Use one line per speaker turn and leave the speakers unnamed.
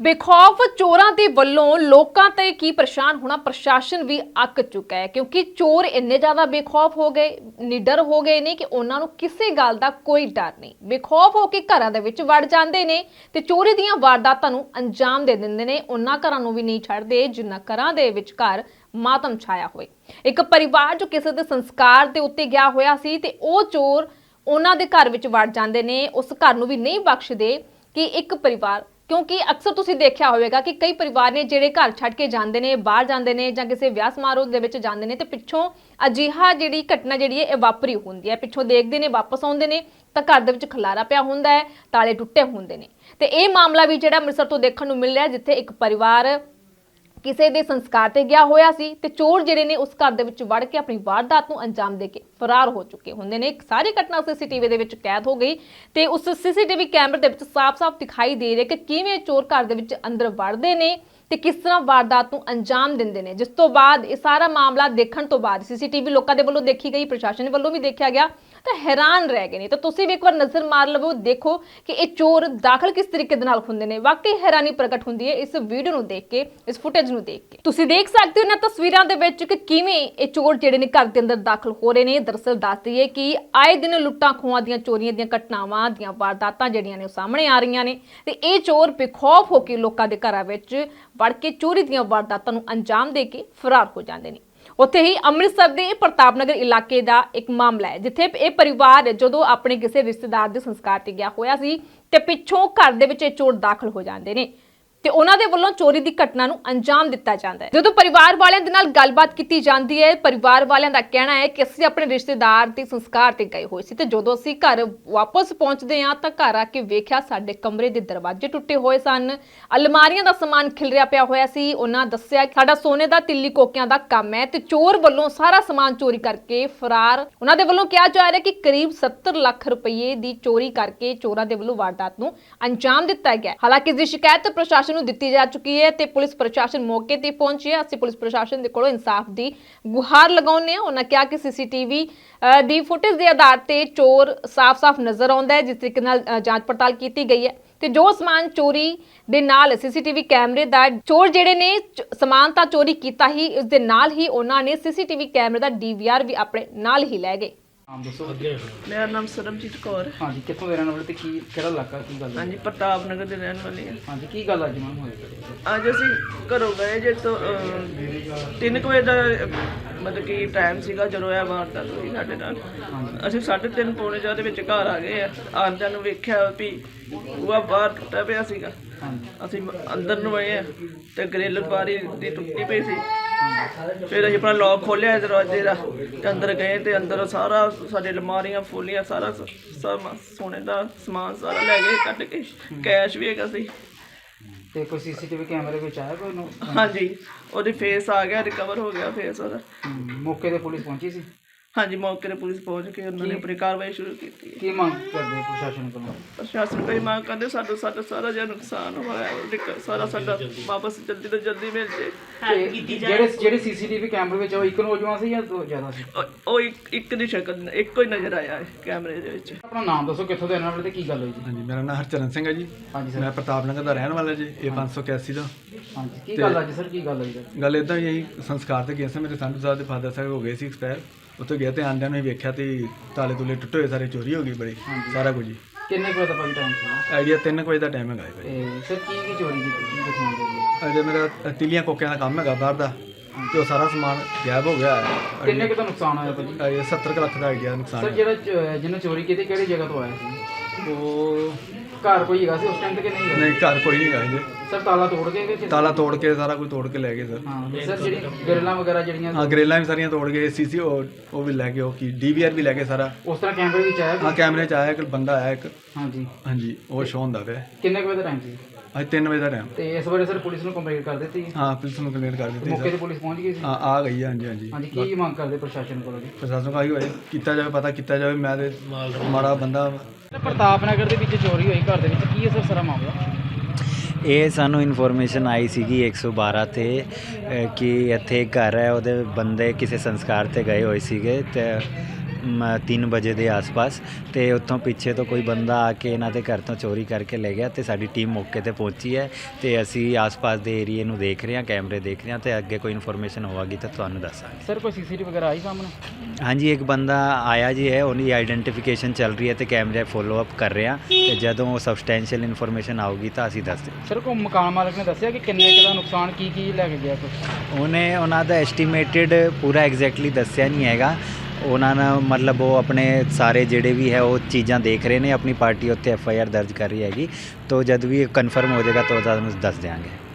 ਬੇਖੌਫ ਚੋਰਾਂ ਦੇ ਵੱਲੋਂ ਲੋਕਾਂ ਤੇ ਕੀ ਪਰੇਸ਼ਾਨ ਹੋਣਾ ਪ੍ਰਸ਼ਾਸਨ ਵੀ ਅੱਕ ਚੁੱਕਾ ਹੈ ਕਿਉਂਕਿ ਚੋਰ ਇੰਨੇ ਜ਼ਿਆਦਾ ਬੇਖੌਫ ਹੋ ਗਏ ਨਿਡਰ ਹੋ ਗਏ ਨੇ ਕਿ ਉਹਨਾਂ ਨੂੰ ਕਿਸੇ ਗੱਲ ਦਾ ਕੋਈ ਡਰ ਨਹੀਂ। ਬੇਖੌਫ ਹੋ ਕੇ ਘਰਾਂ ਦੇ ਵਿੱਚ ਵੜ ਜਾਂਦੇ ਨੇ ਤੇ ਚੋਰੀ ਦੀਆਂ ਵਾਰਦਾਤਾਂ ਨੂੰ ਅੰਜਾਮ ਦੇ ਦਿੰਦੇ ਨੇ। ਉਹਨਾਂ ਘਰਾਂ ਨੂੰ ਵੀ ਨਹੀਂ ਛੱਡਦੇ ਜਿਨ੍ਹਾਂ ਘਰਾਂ ਦੇ ਵਿੱਚ ਘਰ ਮਾਤਮ ਛਾਇਆ ਹੋਏ। ਇੱਕ ਪਰਿਵਾਰ ਜੋ ਕਿਸੇ ਦੇ ਸੰਸਕਾਰ ਦੇ ਉੱਤੇ ਗਿਆ ਹੋਇਆ ਸੀ ਤੇ ਉਹ ਚੋਰ ਉਹਨਾਂ ਦੇ ਘਰ ਵਿੱਚ ਵੜ ਜਾਂਦੇ ਨੇ। ਉਸ ਘਰ ਨੂੰ ਵੀ ਨਹੀਂ ਬਖਸ਼ਦੇ ਕਿ ਇੱਕ ਪਰਿਵਾਰ, क्योंकि अक्सर तुसीं देखा होगा कि कई परिवार ने जिहड़े घर छड्ड के जांदे ने, बाहर जांदे ने जां किसी विआह समारोह दे विच जांदे ने ते पिछों अजिहा जिहड़ी घटना जिहड़ी है वापरी हुंदी है। पिछों देखदे ने वापस आउंदे ने तां घर दे विच खलारा पिया हुंदा है, ताले टुੱਟੇ हुंदे ने। ते इह मामला भी जिहड़ा अंमृतसर तो देखण नूं मिल रिहा जिथे एक परिवार ਕਿਸੇ ਦੇ ਸੰਸਕਾਰ ਤੇ ਗਿਆ ਹੋਇਆ ਸੀ ਤੇ ਚੋਰ ਜਿਹੜੇ ਨੇ ਉਸ ਘਰ ਦੇ ਵਿੱਚ ਵੜ ਕੇ ਆਪਣੀ ਵਾਰਦਾਤ ਨੂੰ ਅੰਜਾਮ ਦੇ ਕੇ ਫਰਾਰ ਹੋ ਚੁੱਕੇ ਹੁੰਦੇ ਨੇ। ਇੱਕ ਸਾਰੀ ਘਟਨਾ ਸੀਸੀਟੀਵੀ ਦੇ ਵਿੱਚ ਕੈਦ ਹੋ ਗਈ ਤੇ ਉਸ ਸੀਸੀਟੀਵੀ ਕੈਮਰੇ ਦੇ ਵਿੱਚ ਸਾਫ਼-ਸਾਫ਼ ਦਿਖਾਈ ਦੇ ਰਿਹਾ ਕਿ ਕਿਵੇਂ ਚੋਰ ਘਰ ਦੇ ਵਿੱਚ ਅੰਦਰ ਵੜਦੇ ਨੇ ਤੇ ਕਿਸ ਤਰ੍ਹਾਂ ਵਾਰਦਾਤ ਨੂੰ ਅੰਜਾਮ ਦਿੰਦੇ ਨੇ। ਜਿਸ ਤੋਂ ਬਾਅਦ ਇਹ ਸਾਰਾ ਮਾਮਲਾ ਦੇਖਣ ਤੋਂ ਬਾਅਦ ਸੀਸੀਟੀਵੀ ਲੋਕਾਂ ਦੇ ਵੱਲੋਂ ਦੇਖੀ ਗਈ, ਪ੍ਰਸ਼ਾਸਨ ਵੱਲੋਂ ਵੀ ਦੇਖਿਆ ਗਿਆ ਤਾਂ ਹੈਰਾਨ ਰਹਿ ਗਏ ਨੇ। ਤਾਂ ਤੁਸੀਂ ਵੀ ਇੱਕ ਵਾਰ ਨਜ਼ਰ ਮਾਰ ਲਵੋ, ਦੇਖੋ ਕਿ ਇਹ ਚੋਰ ਦਾਖਲ ਕਿਸ ਤਰੀਕੇ ਦੇ ਨਾਲ ਹੁੰਦੇ ਨੇ। ਵਾਕਈ ਹੈਰਾਨੀ ਪ੍ਰਗਟ ਹੁੰਦੀ ਹੈ ਇਸ ਵੀਡੀਓ ਨੂੰ ਦੇਖ ਕੇ, ਇਸ ਫੁਟੇਜ ਨੂੰ ਦੇਖ ਕੇ। ਤੁਸੀਂ ਦੇਖ ਸਕਦੇ ਹੋ ਇਹਨਾਂ ਤਸਵੀਰਾਂ ਦੇ ਵਿੱਚ ਕਿ ਕਿਵੇਂ ਇਹ ਚੋਰ ਜਿਹੜੇ ਨੇ ਘਰ ਦੇ ਅੰਦਰ ਦਾਖਲ ਹੋ ਰਹੇ ਨੇ। ਦਰਅਸਲ ਦੱਸ ਦਈਏ ਕਿ ਆਏ ਦਿਨ ਲੁੱਟਾਂ ਖੋਹਾਂ ਦੀਆਂ, ਚੋਰੀਆਂ ਦੀਆਂ ਘਟਨਾਵਾਂ ਦੀਆਂ ਵਾਰਦਾਤਾਂ ਜਿਹੜੀਆਂ ਨੇ ਉਹ ਸਾਹਮਣੇ ਆ ਰਹੀਆਂ ਨੇ ਤੇ ਇਹ ਚੋਰ ਬੇਖੌਫ ਹੋ ਕੇ ਲੋਕਾਂ ਦੇ ਘਰਾਂ ਵਿੱਚ ਵੜ ਕੇ ਚੋਰੀ ਦੀਆਂ ਵਾਰਦਾਤਾਂ ਨੂੰ ਅੰਜਾਮ ਦੇ ਕੇ ਫਰਾਰ ਹੋ ਜਾਂਦੇ ਨੇ। ਉੱਥੇ ਹੀ ਅੰਮ੍ਰਿਤਸਰ ਦੇ ਪ੍ਰਤਾਪ ਨਗਰ ਇਲਾਕੇ ਦਾ ਇੱਕ ਮਾਮਲਾ ਹੈ ਜਿੱਥੇ ਇਹ ਪਰਿਵਾਰ ਜਦੋਂ ਆਪਣੇ ਕਿਸੇ ਰਿਸ਼ਤੇਦਾਰ ਦੇ ਸੰਸਕਾਰ ਤੇ ਗਿਆ ਹੋਇਆ ਸੀ ਤੇ ਪਿੱਛੋਂ ਘਰ ਦੇ ਵਿੱਚ ਇਹ ਚੋਰ ਦਾਖਲ ਹੋ ਜਾਂਦੇ ਨੇ ਤੇ ਉਹਨਾਂ ਦੇ ਵੱਲੋਂ ਚੋਰੀ ਦੀ ਘਟਨਾ ਨੂੰ ਅੰਜਾਮ ਦਿੱਤਾ ਜਾਂਦਾ ਹੈ। ਜਦੋਂ ਪਰਿਵਾਰ ਵਾਲਿਆਂ ਦੇ ਨਾਲ ਗੱਲਬਾਤ ਕੀਤੀ ਜਾਂਦੀ ਹੈ, ਪਰਿਵਾਰ ਵਾਲਿਆਂ ਦਾ ਕਹਿਣਾ ਹੈ ਕਿ ਅਸੀਂ ਆਪਣੇ ਰਿਸ਼ਤੇਦਾਰ ਦੇ ਸੰਸਕਾਰ ਤੇ ਗਏ ਹੋਏ ਸੀ ਤੇ ਜਦੋਂ ਅਸੀਂ ਘਰ ਵਾਪਸ ਪਹੁੰਚਦੇ ਹਾਂ ਤਾਂ ਘਰ ਆ ਕੇ ਵੇਖਿਆ ਸਾਡੇ ਕਮਰੇ ਦੇ ਦਰਵਾਜ਼ੇ ਟੁੱਟੇ ਹੋਏ ਸਨ, ਅਲਮਾਰੀਆਂ ਦਾ ਸਮਾਨ ਖਿਲਰਿਆ ਪਿਆ ਹੋਇਆ ਸੀ। ਉਹਨਾਂ ਦੱਸਿਆ ਕਿ ਸਾਡਾ ਸੋਨੇ ਦਾ ਤਿੱਲੀ ਕੋਕਿਆਂ ਦਾ ਕੰਮ ਹੈ ਤੇ ਚੋਰ ਵੱਲੋਂ ਸਾਰਾ ਸਮਾਨ ਚੋਰੀ ਕਰਕੇ ਫਰਾਰ। ਉਹਨਾਂ ਦੇ ਵੱਲੋਂ ਕਿਹਾ ਜਾ ਰਿਹਾ ਕਿ ਕਰੀਬ 70 ਲੱਖ ਰੁਪਏ ਦੀ ਚੋਰੀ ਕਰਕੇ ਚੋਰਾਂ ਦੇ ਵੱਲੋਂ ਵਾਰਦਾਤ ਨੂੰ ਅੰਜਾਮ ਦਿੱਤਾ ਗਿਆ। ਹਾਲਾਂਕਿ ਇਸ ਦੀ ਸ਼ਿਕਾਇਤ ਪ੍ਰਸ਼ਾਸਨ ਨੂੰ ਦਿੱਤੀ ਜਾ ਚੁੱਕੀ ਹੈ ਤੇ ਪੁਲਿਸ ਪ੍ਰਸ਼ਾਸਨ ਮੌਕੇ ਤੇ ਪਹੁੰਚੀ ਹੈ। ਅਸੀਂ ਪੁਲਿਸ ਪ੍ਰਸ਼ਾਸਨ ਦੇ ਕੋਲੋਂ ਇਨਸਾਫ ਦੀ ਗੁਹਾਰ ਲਗਾਉਂਦੇ ਹਾਂ। ਉਹਨਾਂ ਕਿਹਾ ਕਿ ਸੀਸੀਟੀਵੀ ਦੀ ਫੁਟੇਜ ਦੇ ਆਧਾਰ ਤੇ ਚੋਰ ਸਾਫ਼-ਸਾਫ਼ ਨਜ਼ਰ ਆਉਂਦਾ ਹੈ। ਜਿਸ ਤਰੀਕੇ ਨਾਲ ਜਾਂਚ ਪੜਤਾਲ ਕੀਤੀ ਗਈ ਹੈ ਤੇ ਜੋ ਸਮਾਨ ਚੋਰੀ ਦੇ ਨਾਲ ਸੀਸੀਟੀਵੀ ਕੈਮਰੇ ਦਾ ਚੋਰ ਜਿਹੜੇ ਨੇ ਸਮਾਨ ਤਾਂ ਚੋਰੀ ਕੀਤਾ ਹੀ, ਇਸ ਦੇ ਨਾਲ ਹੀ ਉਹਨਾਂ ਨੇ ਸੀਸੀਟੀਵੀ ਕੈਮਰੇ ਦਾ DVR ਵੀ ਆਪਣੇ ਨਾਲ ਹੀ ਲੈ ਗਏ।
ਦੱਸੋ।
मेरा नाम सरबजीत कौर है।
ਹਾਂਜੀ, ਕਿੱਥੋਂ ਦੇ ਰਹਿਣ ਵਾਲੇ ਤੇ ਕੀ ਕਿਹੜਾ ਇਲਾਕਾ, ਕੀ ਗੱਲ
हाँ
ਹੈ?
जी, प्रताप नगर के रहने वाले हैं।
ਹਾਂਜੀ, ਕੀ ਗੱਲ ਅੱਜ ਮੈਮ ਹੋਈ?
ਅੱਜ ਅਸੀਂ ਘਰੋਂ ਗਏ ਜੇ ਤੋਂ 3 ਵਜੇ ਦਾ ਮਤਲਬ ਕਿ ਟਾਈਮ ਸੀਗਾ ਜਦੋਂ ਇਹ ਵਾਰਦਾਤ ਹੋਈ ਸਾਡੇ ਨਾਲ। ਅਸੀਂ 3:30 ਪੌਣੇ 4 ਦੇ ਵਿੱਚ ਘਰ ਆ ਗਏ ਆ। ਆਉਂਦਿਆਂ ਨੂੰ ਵੇਖਿਆ ਵੀ ਉਹ ਬਾਹਰ ਟੁੱਟਿਆ ਪਿਆ ਸੀਗਾ। ਅਸੀਂ ਅੰਦਰ ਨੂੰ ਆਏ ਆ ਤੇ ਗ੍ਰਿਲ ਬਾਰੀ ਦੀ ਟੁੱਟੀ ਪਈ ਸੀ। ਫਿਰ ਅਸੀਂ ਆਪਣਾ ਲੌਕ ਖੋਲ੍ਹਿਆ ਦਰਵਾਜ਼ੇ ਦਾ ਤੇ ਅੰਦਰ ਗਏ ਤੇ ਅੰਦਰ ਸਾਰਾ ਸਾਡੇ ਅਲਮਾਰੀਆਂ ਫੋਲੀਆਂ, ਸਾਰਾ ਸੋਨੇ ਦਾ ਸਮਾਨ ਸਾਰਾ ਲੈ ਗਏ ਕੱਢ ਕੇ। ਕੈਸ਼ ਵੀ ਹੈਗਾ ਸੀ।
ਤੇ ਕੋਈ ਸੀਸੀਟੀਵੀ ਕੈਮਰੇ ਵਿੱਚ ਆਇਆ ਕੋਈ ਨੂੰ?
ਹਾਂਜੀ, ਉਹਦੀ ਫੇਸ ਆ ਗਿਆ, ਰਿਕਵਰ ਹੋ ਗਿਆ ਫੇਸ ਉਹਦਾ।
ਮੌਕੇ ਤੇ ਪੁਲਿਸ ਪਹੁੰਚੀ ਸੀ?
ਹਾਂਜੀ, ਮੌਕੇ ਤੇ ਪੁਲਿਸ ਪਹੁੰਚ ਕੇ ਉਹਨਾਂ ਨੇ ਆਪਣੀ ਕਾਰਵਾਈ ਸ਼ੁਰੂ ਕੀਤੀ।
ਕੀ ਮੰਗ ਕਰਦੇ ਪ੍ਰਸ਼ਾਸਨ ਕੋਲੋਂ?
ਪ੍ਰਸ਼ਾਸਨ ਕੋਈ ਮੰਗ ਕਰਦੇ ਸਾਡਾ ਸਾਰਾ ਜਿਹੜਾ ਨੁਕਸਾਨ ਹੋਇਆ ਸਾਰਾ ਸਾਡਾ ਵਾਪਸ ਜਲਦੀ ਤੋਂ ਜਲਦੀ ਮਿਲ ਜੇ।
ਜਿਹੜੇ ਸੀਸੀਟੀਵੀ ਕੈਮਰੇ ਵਿੱਚ ਉਹ ਇੱਕ ਨੌਜਵਾਨ ਸੀ ਜਾਂ ਦੋ ਜ਼ਿਆਦਾ ਸੀ?
ਉਹ ਇੱਕ ਦੀ ਸ਼ਕਲ ਇੱਕੋ ਹੀ ਨਜ਼ਰ ਆਇਆ ਹੈ ਕੈਮਰੇ ਦੇ ਵਿੱਚ।
ਆਪਣਾ ਨਾਮ ਦੱਸੋ, ਕਿੱਥੋਂ ਦੇ ਰਹਿਣ ਵਾਲੇ ਤੇ ਕੀ ਗੱਲ ਹੋਈ ਜੀ?
ਹਾਂਜੀ, ਮੇਰਾ ਨਾਮ ਹਰਚਰਨ ਸਿੰਘ ਹੈ ਜੀ।
ਹਾਂਜੀ
ਮੈਂ
ਸਰ।
ਪ੍ਰਤਾਪ ਨਗਰ ਦਾ ਰਹਿਣ ਵਾਲਾ ਜੀ, ਇਹ 581 ਦਾ।
ਹਾਂਜੀ, ਕੀ ਗੱਲ ਅੱਜ ਸਰ, ਕੀ ਗੱਲ ਹੋਈ ਸਰ?
ਗੱਲ ਇੱਦਾਂ ਹੀ ਅਸੀਂ ਸੰਸਕਾਰ ਤੇ ਗਏ ਸੀ। ਮੇਰੇ ਸੰਧੂ ਸਾਹਿਬ ਦੇ ਫਾਦਰ ਸਾਹਿਬ ਹੋ ਗਏ ਸੀ ਐਕਸਪਾਇਰ। ਉੱਥੇ ਗਏ ਤੇ ਆਂਦਿਆਂ ਨੂੰ ਹੀ ਵੇਖਿਆ ਤੇ ਤਾਲੇ ਤੁਲੇ ਟੁੱਟੇ ਹੋਏ, ਸਾਰੇ ਚੋਰੀ ਹੋ ਗਈ ਬੜੀ, ਸਾਰਾ ਕੁਝ ਜੀ।
ਕਿੰਨੇ ਕੁ ਵਜੇ ਦਾ ਭਾਈ ਟਾਈਮ ਸੀ?
ਆਈਡੀਆ 3 ਵਜੇ ਦਾ ਟਾਈਮ ਹੈਗਾ ਜੀ।
ਤੇ ਸਰ ਕੀ ਚੋਰੀ ਕੀਤੀ, ਕੀ ਦੱਸਣਾ ਚਾਹੀਦਾ?
ਅਜੇ ਮੇਰਾ ਤਿੱਲੀਆਂ ਕੋਕਿਆਂ ਦਾ ਕੰਮ ਹੈਗਾ ਬਾਹਰ ਦਾ ਤੇ ਉਹ ਸਾਰਾ ਸਮਾਨ ਗਾਇਬ ਹੋ ਗਿਆ ਹੈ।
ਕਿੰਨੇ ਕੁ ਦਾ ਨੁਕਸਾਨ ਹੋਇਆ ਭਾਜੀ?
ਇਹ 70 ਕੁ ਲੱਖ ਦਾ ਆਈਡੀਆ ਨੁਕਸਾਨ
ਸਰ
ਹੈ।
ਜਿਹੜਾ ਜਿਹਨੇ ਚੋਰੀ ਕੀਤੀ ਕਿਹੜੀ ਜਗ੍ਹਾ ਤੋਂ ਆਇਆ ਸੀ?
ਉਹ
ਘਰ ਕੋਈ ਹੈਗਾ ਸੀ ਉਸ ਟਾਈਮ ਤੇ ਕਿ ਨਹੀਂ ਹੈਗਾ?
ਨਹੀਂ, ਘਰ ਕੋਈ ਨਹੀਂ ਹੈਗਾ ਜੀ।
ਸਰ ਤਾਲਾ ਤੋੜ ਕੇ ਕਿ
ਤਾਲਾ ਤੋੜ ਕੇ ਸਾਰਾ ਕੁਝ ਤੋੜ ਕੇ ਲੈ ਗਏ ਸਰ।
ਹਾਂ ਸਰ, ਜਿਹੜੀ ਗ੍ਰਿਲਾਂ ਵਗੈਰਾ ਜਿਹੜੀਆਂ
ਹਾਂ, ਗਰੇਲਾਂ ਵੀ ਸਾਰੀਆਂ ਤੋੜ ਗਏ। ਸੀਸੀ ਉਹ ਵੀ ਲੈ ਗਏ, ਉਹ ਕੀ DVR ਵੀ ਲੈ ਗਏ ਸਾਰਾ।
ਉਸ ਤਰ੍ਹਾਂ ਕੈਮਰੇ ਵਿੱਚ ਆਇਆ
ਹਾਂ,
ਕੋਈ?
ਕੈਮਰੇ 'ਚ ਆਇਆ ਇੱਕ ਬੰਦਾ ਆਇਆ ਇੱਕ।
ਹਾਂਜੀ।
ਹਾਂਜੀ, ਉਹ ਸ਼ੋਅ ਹੁੰਦਾ ਪਿਆ।
ਕਿੰਨੇ ਕੁ ਵਜੇ ਦਾ ਟਾਈਮ ਸੀ?
ਅੱਜ 3 ਵਜੇ ਦਾ ਟਾਈਮ।
ਤੇ ਇਸ ਬਾਰੇ ਸਰ ਪੁਲਿਸ ਨੂੰ ਕੰਪਲੇਂਟ ਕਰ ਦਿੱਤੀ?
ਹਾਂ, ਪੁਲਿਸ ਨੂੰ ਕੰਪਲੇਂਟ ਕਰ ਦਿੱਤੀ
ਮੌਕੇ ਤੇ
ਸਰ।
ਪੁਲਿਸ ਪਹੁੰਚ ਗਈ ਸੀ?
ਹਾਂ, ਆ ਗਈ ਹੈ। ਹਾਂਜੀ ਹਾਂਜੀ।
ਹਾਂਜੀ, ਕੀ ਮੰਗ ਕਰਦੇ ਪ੍ਰਸ਼ਾਸਨ ਕੋਲੋਂ ਜੀ?
ਪ੍ਰਸ਼ਾਸਨ ਨੂੰ ਆਈ ਹੋਏ ਕੀਤਾ ਜਾਵੇ, ਪਤਾ ਕੀਤਾ ਜਾਵੇ। ਮੈਂ ਤੇ ਮਾੜਾ ਬੰਦਾ।
ਪ੍ਰਤਾਪ ਨਗਰ ਦੇ ਵਿੱਚ ਚੋਰੀ ਹੋਈ ਘਰ ਦੇ ਵਿੱਚ, ਕੀ ਹੈ ਸਰ ਸਾਰਾ ਮਾਮਲਾ?
ਇਹ ਸਾਨੂੰ ਇਨਫੋਰਮੇਸ਼ਨ ਆਈ ਸੀਗੀ 112 ਤੇ ਕਿ ਇੱਥੇ ਇੱਕ ਘਰ ਹੈ, ਉਹਦੇ ਬੰਦੇ ਕਿਸੇ ਸੰਸਕਾਰ ਤੇ ਗਏ ਹੋਏ ਸੀਗੇ ਤੇ 3 ਵਜੇ ਦੇ ਆਸ-ਪਾਸ ਤੇ ਉੱਥੋਂ ਪਿੱਛੇ ਤੋਂ ਕੋਈ ਬੰਦਾ ਆ ਕੇ ਇਹਨਾਂ ਦੇ ਘਰ ਤੋਂ ਚੋਰੀ ਕਰਕੇ ਲੈ ਗਿਆ ਤੇ ਸਾਡੀ ਟੀਮ ਮੌਕੇ ਤੇ ਪਹੁੰਚੀ ਹੈ ਤੇ ਅਸੀਂ ਆਸ-ਪਾਸ ਦੇ ਏਰੀਏ ਨੂੰ ਦੇਖ ਰਹੇ ਹਾਂ, ਕੈਮਰੇ ਦੇਖ ਰਹੇ ਹਾਂ ਤੇ ਅੱਗੇ ਕੋਈ ਇਨਫੋਰਮੇਸ਼ਨ ਹੋਵੇਗੀ ਤਾਂ ਤੁਹਾਨੂੰ ਦੱਸਾਂਗੇ।
ਸਰ ਕੋਈ ਸੀਸੀਟੀਵੀ ਵਗੈਰਾ ਆਈ ਸਾਹਮਣੇ?
ਹਾਂਜੀ, ਇੱਕ ਬੰਦਾ ਆਇਆ ਜੀ ਹੈ, ਉਹਦੀ ਆਈਡੈਂਟੀਫਿਕੇਸ਼ਨ ਚੱਲ ਰਹੀ ਹੈ ਤੇ ਕੈਮਰੇ ਫੋਲੋ ਅਪ ਕਰ ਰਹੇ ਹਾਂ ਤੇ ਜਦੋਂ ਸਬਸਟੈਂਸ਼ੀਅਲ ਇਨਫੋਰਮੇਸ਼ਨ ਆਊਗੀ ਤਾਂ ਅਸੀਂ ਦੱਸ ਦਿਆਂਗੇ।
ਸਰ ਕੋਈ ਮਕਾਨ ਮਾਲਕ ਨੇ ਦੱਸਿਆ ਕਿ ਕਿੰਨੇ ਕੁ ਦਾ ਨੁਕਸਾਨ ਕੀ ਲੈ ਕੇ ਗਿਆ ਕੁਛ?
ਉਹਨਾਂ ਦਾ ਐਸਟੀਮੇਟਡ ਪੂਰਾ ਐਗਜ਼ੈਕਟਲੀ ਦੱਸਿਆ ਨਹੀਂ ਹੈਗਾ। ਉਹਨਾਂ ਨੇ ਮਤਲਬ ਉਹ ਆਪਣੇ ਸਾਰੇ ਜਿਹੜੇ ਵੀ ਹੈ ਉਹ ਚੀਜ਼ਾਂ ਦੇਖ ਰਹੇ ਨੇ, ਆਪਣੀ ਪਾਰਟੀ ਉੱਤੇ FIR ਦਰਜ ਕਰ ਰਹੀ ਹੈਗੀ, ਤਾਂ ਜਦ ਵੀ ਕਨਫਰਮ ਹੋ ਜਾਏਗਾ ਤਾਂ ਤੁਹਾਨੂੰ ਦੱਸ ਦਿਆਂਗੇ।